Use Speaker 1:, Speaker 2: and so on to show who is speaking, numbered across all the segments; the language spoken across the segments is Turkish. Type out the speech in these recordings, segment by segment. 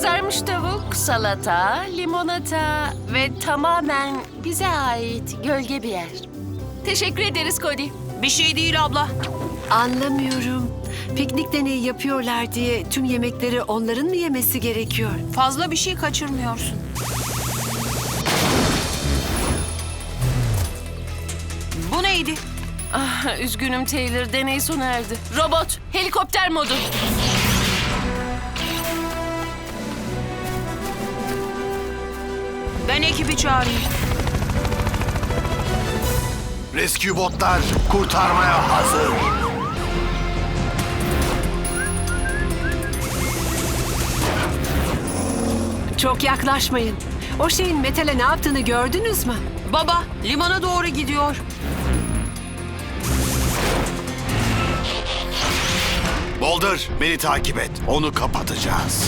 Speaker 1: Kızarmış tavuk, salata, limonata ve tamamen bize ait gölge bir yer. Teşekkür ederiz Cody.
Speaker 2: Bir şey değil abla.
Speaker 3: Anlamıyorum. Piknik deneyi yapıyorlar diye tüm yemekleri onların mı yemesi gerekiyor?
Speaker 2: Fazla bir şey kaçırmıyorsun. Bu neydi?
Speaker 1: Ah, üzgünüm Taylor, deney sona erdi. Robot, helikopter modu.
Speaker 2: Ben ekibi çağırayım.
Speaker 4: Rescue botlar kurtarmaya hazır.
Speaker 3: Çok yaklaşmayın. O şeyin metale ne yaptığını gördünüz mü?
Speaker 2: Baba, limana doğru gidiyor.
Speaker 4: Boulder, beni takip et. Onu kapatacağız.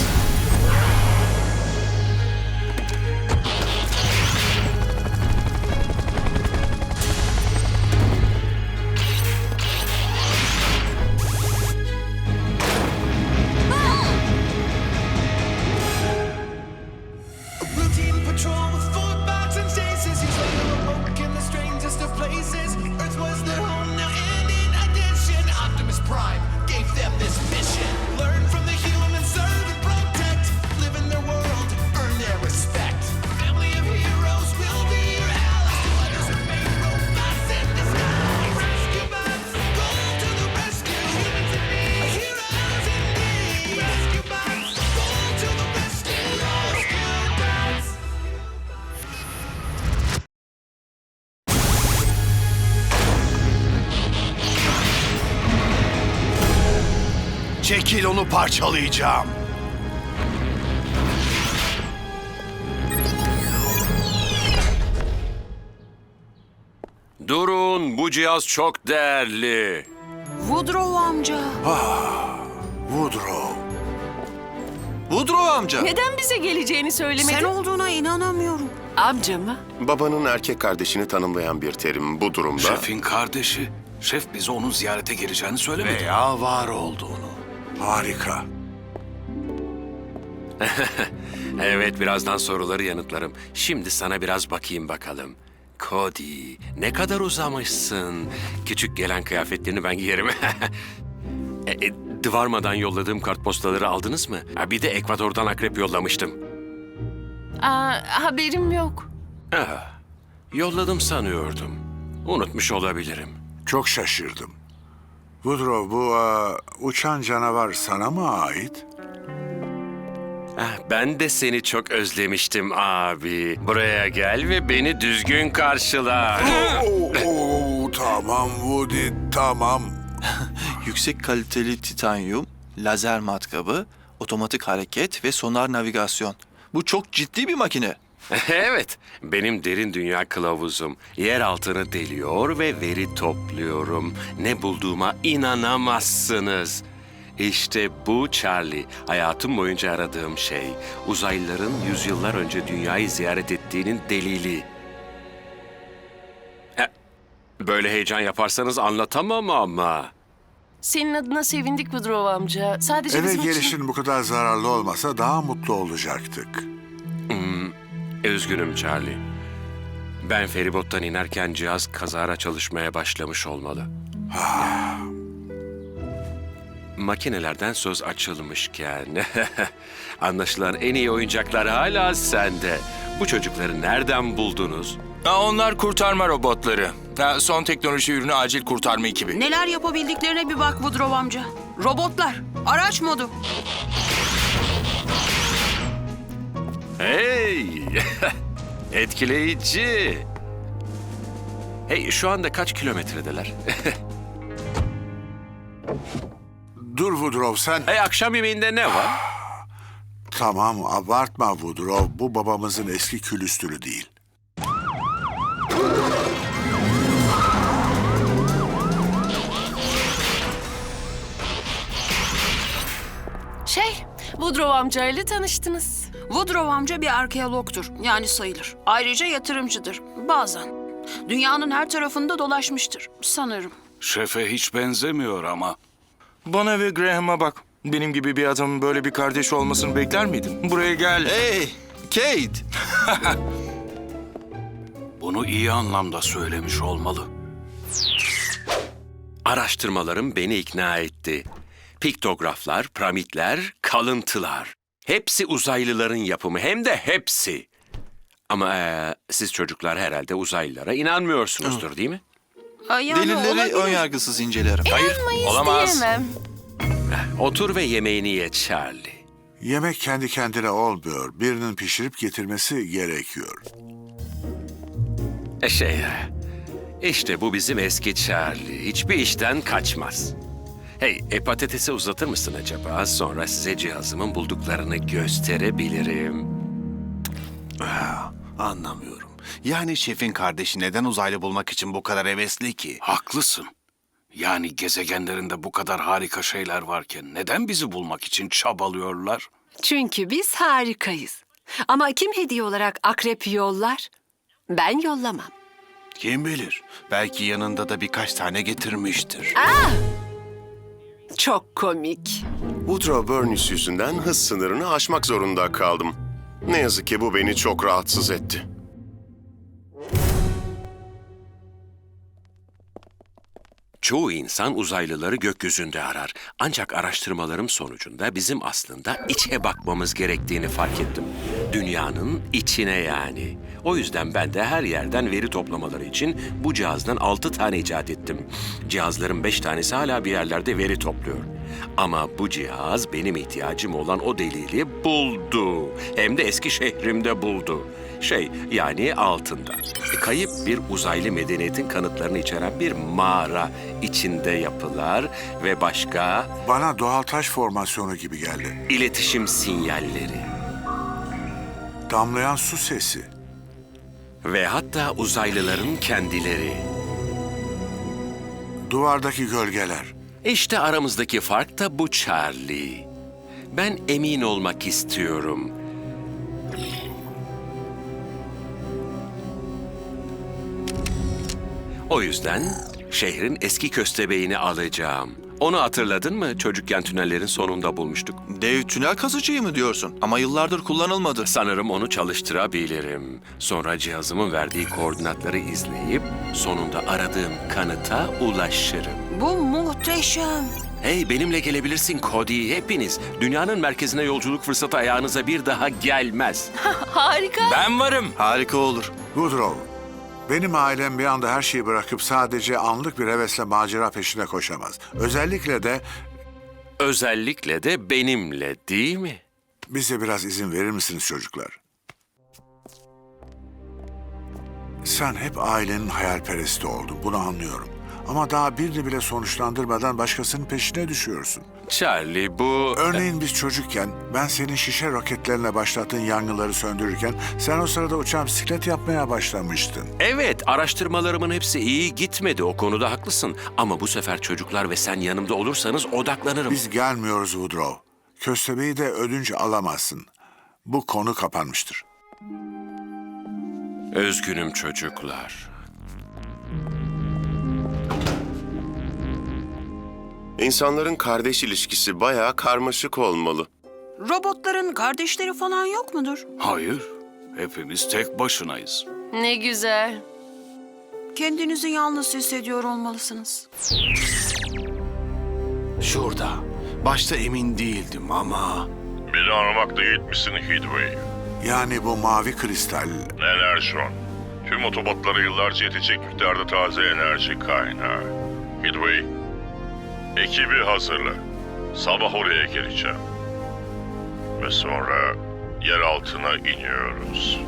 Speaker 5: Routine patrol with 4 bots and stasis. He's awoke in the strangest of places. Earth was their home now, and in addition, Optimus Prime gave them this mission: learn from the humans, serve and protect. Live in their world, earn their respect. Family of heroes will be your allies. Others remain robots in disguise. Rescue bots, go to the rescue. Humans in need, heroes indeed. Rescue bots, go to the rescue. Rescue bots.
Speaker 4: Çekil, onu parçalayacağım.
Speaker 6: Durun, bu cihaz çok değerli.
Speaker 2: Woodrow amca.
Speaker 4: Woodrow.
Speaker 7: Woodrow amca.
Speaker 1: Neden bize geleceğini söylemedin?
Speaker 2: Sen olduğuna inanamıyorum.
Speaker 3: Amca mı?
Speaker 8: Babanın erkek kardeşini tanımlayan bir terim bu durumda.
Speaker 7: Şefin kardeşi. Şef bize onun ziyarete geleceğini söylemedi.
Speaker 4: Veya var olduğunu. Harika.
Speaker 6: Evet, birazdan soruları yanıtlarım. Şimdi sana biraz bakayım bakalım. Cody, ne kadar uzamışsın. Küçük gelen kıyafetlerini ben giyerim. Dvarma'dan yolladığım kartpostaları aldınız mı? Ha, bir de Ekvador'dan akrep yollamıştım.
Speaker 1: Haberim yok.
Speaker 6: Ah, yolladım sanıyordum. Unutmuş olabilirim.
Speaker 9: Çok şaşırdım. Woodrow, bu uçan canavar sana mı ait?
Speaker 6: Ah, ben de seni çok özlemiştim abi. Buraya gel ve beni düzgün karşıla.
Speaker 9: Tamam Woody, tamam.
Speaker 7: Yüksek kaliteli titanyum, lazer matkabı, otomatik hareket ve sonar navigasyon. Bu çok ciddi bir makine.
Speaker 6: Evet, benim derin dünya kılavuzum. Yer altını deliyor ve veri topluyorum. Ne bulduğuma inanamazsınız. İşte bu Charlie, hayatım boyunca aradığım şey. Uzaylıların yüzyıllar önce dünyayı ziyaret ettiğinin delili. Böyle heyecan yaparsanız anlatamam ama.
Speaker 1: Senin adına sevindik Woodrow amca. Sadece
Speaker 9: Eve
Speaker 1: bizim için...
Speaker 9: gelişin bu kadar zararlı olmasa daha mutlu olacaktık.
Speaker 6: Üzgünüm Charlie. Ben feribottan inerken cihaz kazara çalışmaya başlamış olmalı. Makinelerden söz açılmışken... Anlaşılan en iyi oyuncaklar hala sende. Bu çocukları nereden buldunuz?
Speaker 10: Onlar kurtarma robotları. Son teknoloji ürünü acil kurtarma ekibi.
Speaker 2: Neler yapabildiklerine bir bak Woodrow amca. Robotlar, araç modu.
Speaker 6: Hey! Etkileyici. Hey, şu anda kaç kilometredeler?
Speaker 9: Dur Woodrow, sen...
Speaker 6: Hey, akşam yemeğinde ne var?
Speaker 9: Tamam, abartma Woodrow. Bu babamızın eski külüstürü değil.
Speaker 1: Woodrow amcayla tanıştınız.
Speaker 2: Woodrow amca bir arkeologtur, yani sayılır. Ayrıca yatırımcıdır, bazen. Dünyanın her tarafında dolaşmıştır, sanırım.
Speaker 7: Şefe hiç benzemiyor ama.
Speaker 10: Bana ve Graham'a bak. Benim gibi bir adamın böyle bir kardeşi olmasını bekler miydin? Buraya gel.
Speaker 7: Hey, Kate!
Speaker 11: Bunu iyi anlamda söylemiş olmalı.
Speaker 6: Araştırmalarım beni ikna etti. Piktograflar, piramitler, kalıntılar. Hepsi uzaylıların yapımı, hem de hepsi. Ama siz çocuklar herhalde uzaylılara inanmıyorsunuzdur, değil mi?
Speaker 2: Yani
Speaker 7: Delilleri
Speaker 2: olabilir.
Speaker 7: önyargısız incelerim.
Speaker 1: İnanmayız
Speaker 10: olamaz.
Speaker 1: diyemem.
Speaker 6: Otur ve yemeğini ye Charlie.
Speaker 9: Yemek kendi kendine olmuyor. Birinin pişirip getirmesi gerekiyor.
Speaker 6: İşte bu bizim eski Charlie. Hiçbir işten kaçmaz. Hey, patatesi uzatır mısın acaba? Sonra size cihazımın bulduklarını gösterebilirim.
Speaker 4: Anlamıyorum. Yani şefin kardeşi neden uzaylı bulmak için bu kadar hevesli ki?
Speaker 11: Haklısın. Yani gezegenlerinde bu kadar harika şeyler varken neden bizi bulmak için çabalıyorlar?
Speaker 3: Çünkü biz harikayız. Ama kim hediye olarak akrep yollar? Ben yollamam.
Speaker 4: Kim bilir? Belki yanında da birkaç tane getirmiştir.
Speaker 3: Çok komik.
Speaker 8: Woodrow Burns yüzünden hız sınırını aşmak zorunda kaldım. Ne yazık ki bu beni çok rahatsız etti.
Speaker 6: Çoğu insan uzaylıları gökyüzünde arar. Ancak araştırmalarım sonucunda bizim aslında içe bakmamız gerektiğini fark ettim. Dünyanın içine yani. O yüzden ben de her yerden veri toplamaları için bu cihazdan 6 tane icat ettim. Cihazların 5 tanesi hala bir yerlerde veri topluyor. Ama bu cihaz benim ihtiyacım olan o delili buldu. Hem de eski şehrimde buldu. Yani altında. Kayıp bir uzaylı medeniyetin kanıtlarını içeren bir mağara içinde yapılar ve başka
Speaker 9: Bana doğal taş formasyonu gibi geldi.
Speaker 6: iletişim sinyalleri.
Speaker 9: Damlayan su sesi.
Speaker 6: Ve hatta uzaylıların kendileri.
Speaker 9: Duvardaki gölgeler.
Speaker 6: İşte aramızdaki fark da bu Charlie. Ben emin olmak istiyorum. O yüzden şehrin eski köstebeğini alacağım. Onu hatırladın mı? Çocukken tünellerin sonunda bulmuştuk.
Speaker 7: Dev tünel kazıcıyı mı diyorsun? Ama yıllardır kullanılmadı.
Speaker 6: Sanırım onu çalıştırabilirim. Sonra cihazımın verdiği koordinatları izleyip sonunda aradığım kanıta ulaşırım.
Speaker 2: Bu muhteşem.
Speaker 6: Hey, benimle gelebilirsin Cody. Hepiniz. Dünyanın merkezine yolculuk fırsatı ayağınıza bir daha gelmez.
Speaker 1: Harika.
Speaker 10: Ben varım.
Speaker 7: Harika olur.
Speaker 9: Woodrow, benim ailem bir anda her şeyi bırakıp sadece anlık bir hevesle macera peşine koşamaz.
Speaker 6: Özellikle de benimle, değil mi?
Speaker 9: Bize biraz izin verir misiniz çocuklar? Sen hep ailenin hayalperesti oldun, bunu anlıyorum. Ama daha birini bile sonuçlandırmadan başkasının peşine düşüyorsun.
Speaker 6: Charlie, bu...
Speaker 9: Örneğin biz çocukken ben senin şişe roketlerine başlattığın yangınları söndürürken sen o sırada uçan bisiklet yapmaya başlamıştın.
Speaker 6: Evet, araştırmalarımın hepsi iyi gitmedi. O konuda haklısın. Ama bu sefer çocuklar ve sen yanımda olursanız odaklanırım.
Speaker 9: Biz gelmiyoruz Woodrow. Köstebeği de ödünç alamazsın. Bu konu kapanmıştır.
Speaker 6: Üzgünüm çocuklar.
Speaker 8: İnsanların kardeş ilişkisi bayağı karmaşık olmalı.
Speaker 2: Robotların kardeşleri falan yok mudur?
Speaker 11: Hayır, hepimiz tek başınayız.
Speaker 1: Ne güzel.
Speaker 2: Kendinizi yalnız hissediyor olmalısınız.
Speaker 4: Şurada. Başta emin değildim ama...
Speaker 12: Beni aramakta yetmişsin Heatwave.
Speaker 9: Yani bu mavi kristal.
Speaker 12: Enerjon. Tüm otobotlara yıllarca yetecek miktarda taze enerji kaynağı. Heatwave, ekibi hazırla. Sabah oraya geleceğim. Ve sonra yer altına iniyoruz.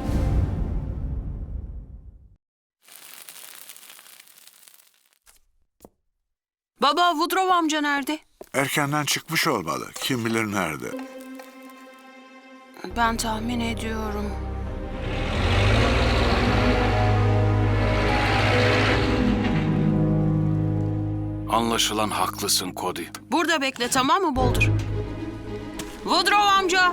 Speaker 2: Baba, Woodrow amca nerede?
Speaker 9: Erkenden çıkmış olmalı. Kim bilir nerede.
Speaker 2: Ben tahmin ediyorum.
Speaker 11: Anlaşılan haklısın Cody.
Speaker 2: Burada bekle, tamam mı Boulder? Woodrow amca!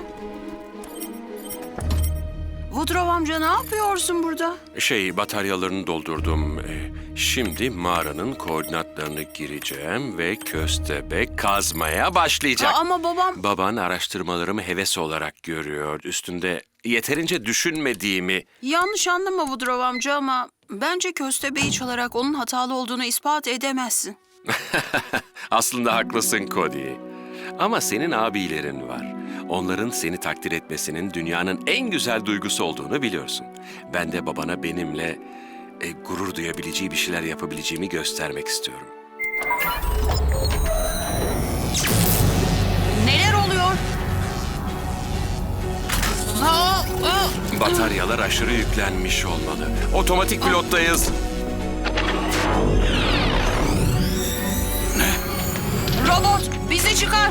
Speaker 2: Woodrow amca, ne yapıyorsun burada?
Speaker 6: Bataryalarını doldurdum. Şimdi mağaranın koordinatlarını gireceğim ve köstebek kazmaya başlayacak.
Speaker 2: Ama babam...
Speaker 6: Baban araştırmalarımı heves olarak görüyor. Üstünde yeterince düşünmediğimi.
Speaker 2: Yanlış anlama Woodrow amca ama bence köstebeği çalarak onun hatalı olduğunu ispat edemezsin.
Speaker 6: Aslında haklısın Cody. Ama senin abilerin var. Onların seni takdir etmesinin dünyanın en güzel duygusu olduğunu biliyorsun. Ben de babana benimle gurur duyabileceği bir şeyler yapabileceğimi göstermek istiyorum.
Speaker 2: Neler oluyor?
Speaker 6: Bataryalar aşırı yüklenmiş olmalı. Otomatik pilottayız.
Speaker 2: Robot bizi çıkar.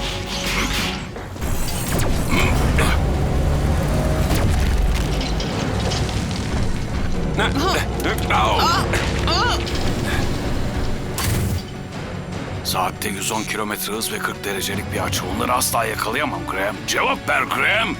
Speaker 11: Saatte 110 kilometre hız ve 40 derecelik bir açı. Onları asla yakalayamam Graham. Cevap ver Graham.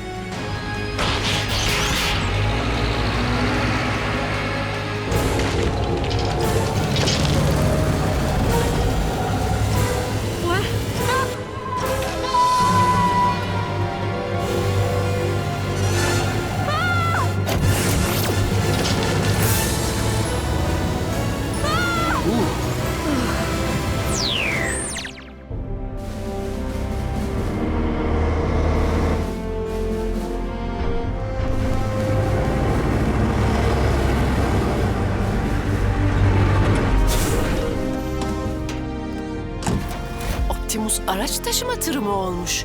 Speaker 1: Optimus araç taşıma tırı mı olmuş?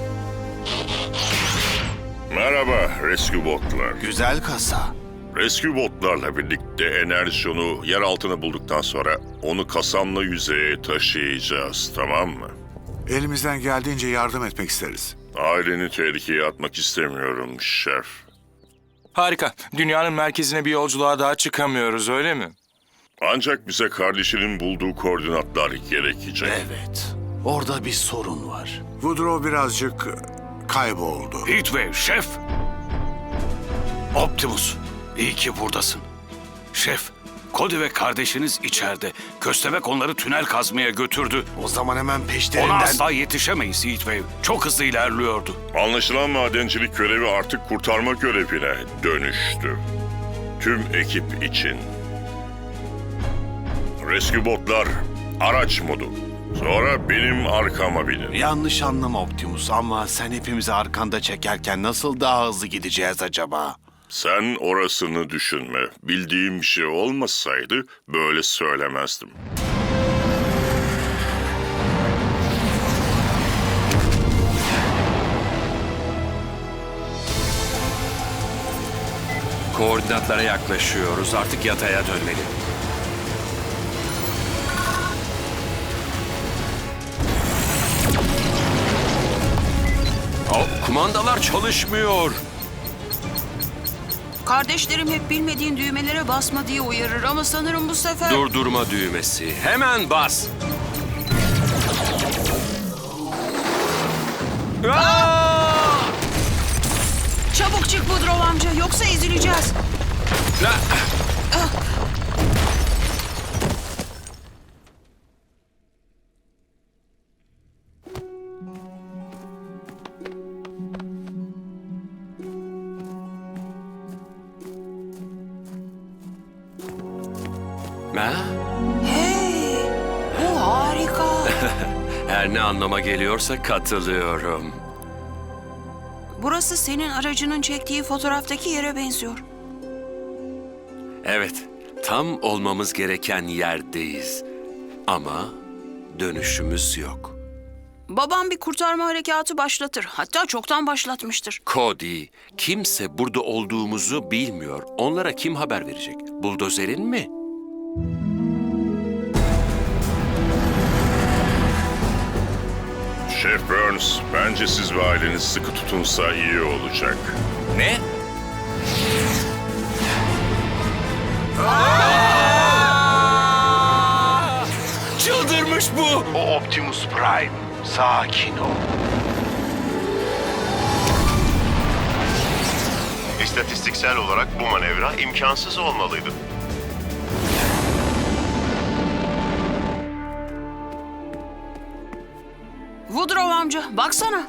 Speaker 12: Merhaba Rescue Botlar.
Speaker 4: Güzel kasa.
Speaker 12: Rescue Botlarla birlikte Enerjon'u yer altına bulduktan sonra onu kasamla yüzeye taşıyacağız, tamam mı?
Speaker 9: Elimizden geldiğince yardım etmek isteriz.
Speaker 12: Aileni tehlikeye atmak istemiyorum şef.
Speaker 10: Harika. Dünyanın merkezine bir yolculuğa daha çıkamıyoruz, öyle mi?
Speaker 12: Ancak bize kardeşinin bulduğu koordinatlar gerekecek.
Speaker 4: Evet. Orada bir sorun var.
Speaker 9: Woodrow birazcık kayboldu.
Speaker 11: Heatwave, şef. Optimus, iyi ki buradasın. Şef, Cody ve kardeşiniz içeride. Köstebek onları tünel kazmaya götürdü.
Speaker 4: O zaman hemen
Speaker 11: Ona
Speaker 4: peşlerinden...
Speaker 11: asla yetişemeyiz Heatwave. Çok hızlı ilerliyordu.
Speaker 12: Anlaşılan madencilik görevi artık kurtarma görevine dönüştü. Tüm ekip için. Rescue Botlar, araç modu. Sonra benim arkama binin.
Speaker 4: Yanlış anlama Optimus ama sen hepimizi arkanda çekerken nasıl daha hızlı gideceğiz acaba?
Speaker 12: Sen orasını düşünme. Bildiğim bir şey olmasaydı böyle söylemezdim.
Speaker 6: Koordinatlara yaklaşıyoruz. Artık yataya dönmeli. Kumandalar çalışmıyor.
Speaker 2: Kardeşlerim hep bilmediğin düğmelere basma diye uyarır ama sanırım bu sefer...
Speaker 6: Durdurma düğmesi. Hemen bas.
Speaker 2: Çabuk çık Woodrow amca yoksa ezileceğiz.
Speaker 6: Ha?
Speaker 2: Hey, bu harika.
Speaker 6: Her ne anlama geliyorsa katılıyorum.
Speaker 2: Burası senin aracının çektiği fotoğraftaki yere benziyor.
Speaker 6: Evet, tam olmamız gereken yerdeyiz. Ama dönüşümüz yok.
Speaker 2: Babam bir kurtarma harekatı başlatır. Hatta çoktan başlatmıştır.
Speaker 6: Cody, kimse burada olduğumuzu bilmiyor. Onlara kim haber verecek? Buldozerin mi?
Speaker 12: Chef Burns, bence siz ve aileniz sıkı tutunsa iyi olacak.
Speaker 10: Ne?
Speaker 6: Çıldırmış bu!
Speaker 4: O Optimus Prime. Sakin ol.
Speaker 13: İstatistiksel olarak bu manevra imkansız olmalıydı.
Speaker 2: amca, baksana.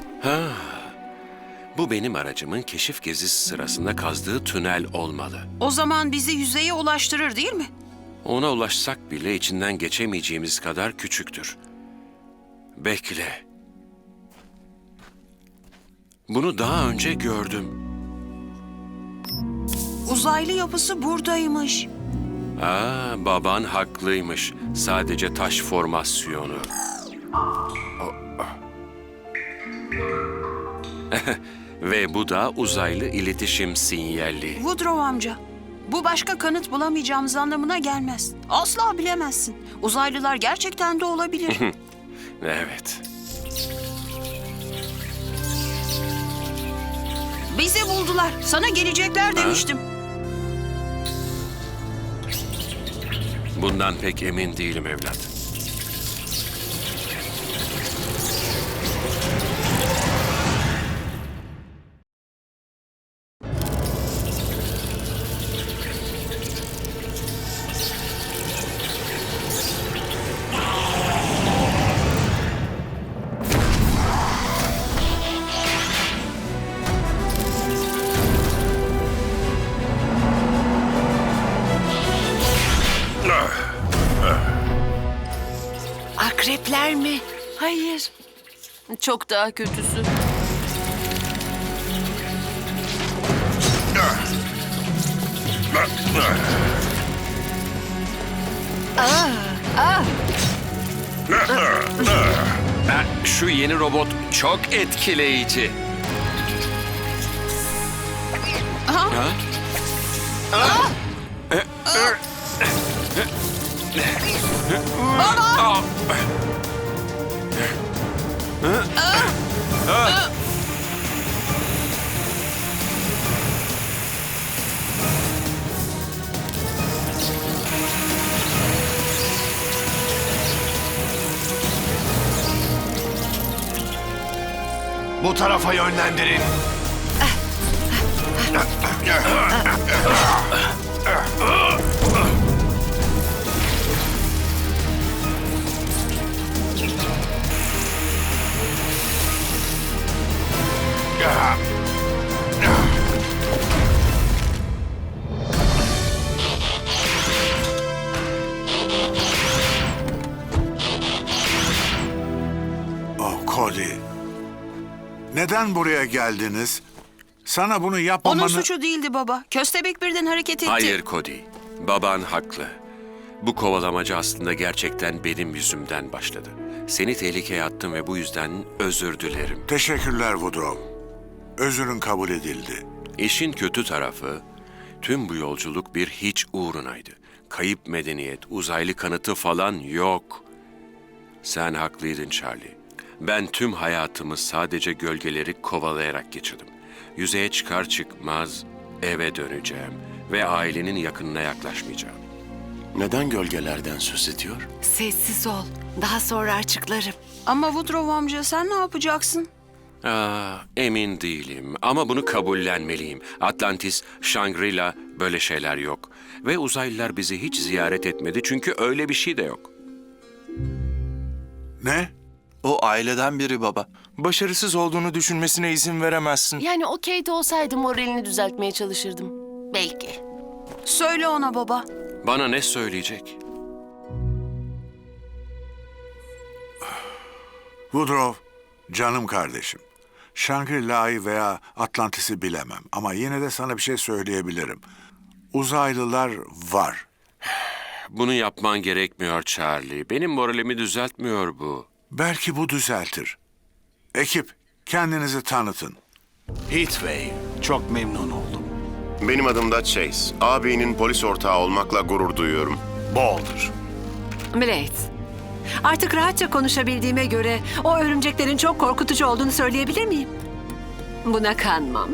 Speaker 6: Bu benim aracımın keşif gezisi sırasında kazdığı tünel olmalı.
Speaker 2: O zaman bizi yüzeye ulaştırır değil mi?
Speaker 6: Ona ulaşsak bile içinden geçemeyeceğimiz kadar küçüktür. Bekle. Bunu daha önce gördüm.
Speaker 2: Uzaylı yapısı buradaymış.
Speaker 6: Baban haklıymış. Sadece taş formasyonu. Ve bu da uzaylı iletişim sinyali.
Speaker 2: Woodrow amca, bu başka kanıt bulamayacağımız anlamına gelmez. Asla bilemezsin. Uzaylılar gerçekten de olabilir.
Speaker 6: Evet.
Speaker 2: Bizi buldular. Sana gelecekler demiştim.
Speaker 6: Bundan pek emin değilim evlat.
Speaker 3: Akrepler mi?
Speaker 1: Hayır. Çok daha kötüsü.
Speaker 6: Şu yeni robot çok etkileyici.
Speaker 4: Bu tarafa yönlendirin.
Speaker 9: Oh Cody. Neden buraya geldiniz? Sana bunu yapmamanı...
Speaker 2: Onun suçu değildi baba. Köstebek birden hareket etti.
Speaker 6: Hayır Cody. Baban haklı. Bu kovalamacı aslında gerçekten benim yüzümden başladı. Seni tehlikeye attım ve bu yüzden özür dilerim.
Speaker 9: Teşekkürler Woodrow. Özürün kabul edildi.
Speaker 6: İşin kötü tarafı, tüm bu yolculuk bir hiç uğrunaydı. Kayıp medeniyet, uzaylı kanıtı falan yok. Sen haklıydın Charlie. Ben tüm hayatımı sadece gölgeleri kovalayarak geçirdim. Yüzeye çıkar çıkmaz eve döneceğim ve ailenin yakınına yaklaşmayacağım.
Speaker 8: Neden gölgelerden söz ediyor?
Speaker 3: Sessiz ol. Daha sonra açıklarım.
Speaker 2: Ama Woodrow amca sen ne yapacaksın?
Speaker 6: Emin değilim ama bunu kabullenmeliyim. Atlantis, Shangri-La böyle şeyler yok. Ve uzaylılar bizi hiç ziyaret etmedi çünkü öyle bir şey de yok.
Speaker 9: Ne?
Speaker 7: O aileden biri baba.
Speaker 10: Başarısız olduğunu düşünmesine izin veremezsin.
Speaker 1: Yani o Kate olsaydı moralini düzeltmeye çalışırdım. Belki.
Speaker 2: Söyle ona baba.
Speaker 6: Bana ne söyleyecek?
Speaker 9: Woodrow, canım kardeşim. Shangri-La'yı veya Atlantis'i bilemem ama yine de sana bir şey söyleyebilirim. Uzaylılar var.
Speaker 6: Bunu yapman gerekmiyor Charlie. Benim moralimi düzeltmiyor bu.
Speaker 9: Belki bu düzeltir. Ekip, kendinizi tanıtın.
Speaker 4: Heatwave, çok memnun oldum.
Speaker 8: Benim adım da Chase. Ağabeyinin polis ortağı olmakla gurur duyuyorum.
Speaker 4: Boulder.
Speaker 3: Blade. Artık rahatça konuşabildiğime göre o örümceklerin çok korkutucu olduğunu söyleyebilir miyim? Buna kanmam.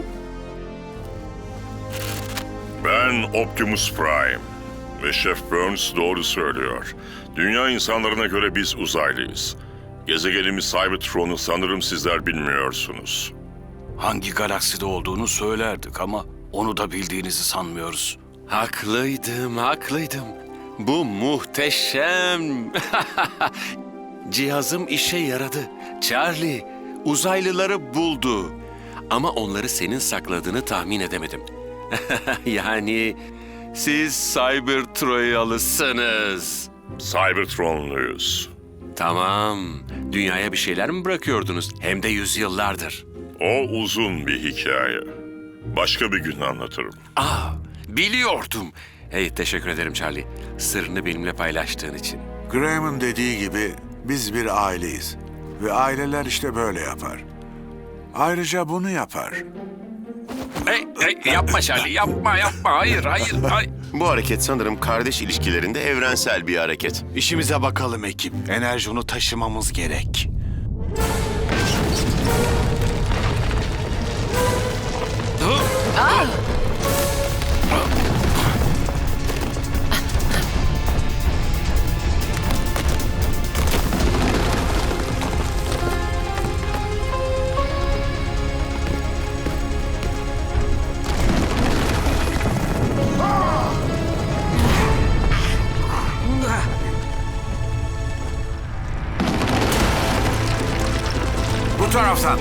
Speaker 12: Ben Optimus Prime. Ve Şef Burns doğru söylüyor. Dünya insanlarına göre biz uzaylıyız. Gezegenimiz Cybertron'u sanırım sizler bilmiyorsunuz.
Speaker 11: Hangi galakside olduğunu söylerdik ama onu da bildiğinizi sanmıyoruz.
Speaker 6: Haklıydım. Bu muhteşem. Cihazım işe yaradı. Charlie, uzaylıları buldu. Ama onları senin sakladığını tahmin edemedim. Yani siz Cybertroyalısınız.
Speaker 12: Cybertronluyuz.
Speaker 6: Tamam. Dünyaya bir şeyler mi bırakıyordunuz? Hem de yüzyıllardır.
Speaker 12: O uzun bir hikaye. Başka bir gün anlatırım.
Speaker 6: Biliyordum. Hey, teşekkür ederim Charlie. Sırrını benimle paylaştığın için.
Speaker 9: Graham'ın dediği gibi biz bir aileyiz. Ve aileler işte böyle yapar. Ayrıca bunu yapar.
Speaker 6: Hey, yapma Charlie, yapma. Hayır.
Speaker 8: Bu hareket sanırım kardeş ilişkilerinde evrensel bir hareket.
Speaker 4: İşimize bakalım ekip. Enerji onu taşımamız gerek.
Speaker 9: Bu taraftan.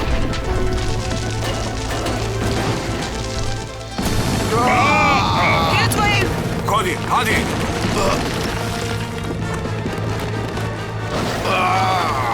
Speaker 2: Heatwave!
Speaker 9: Cody, hadi.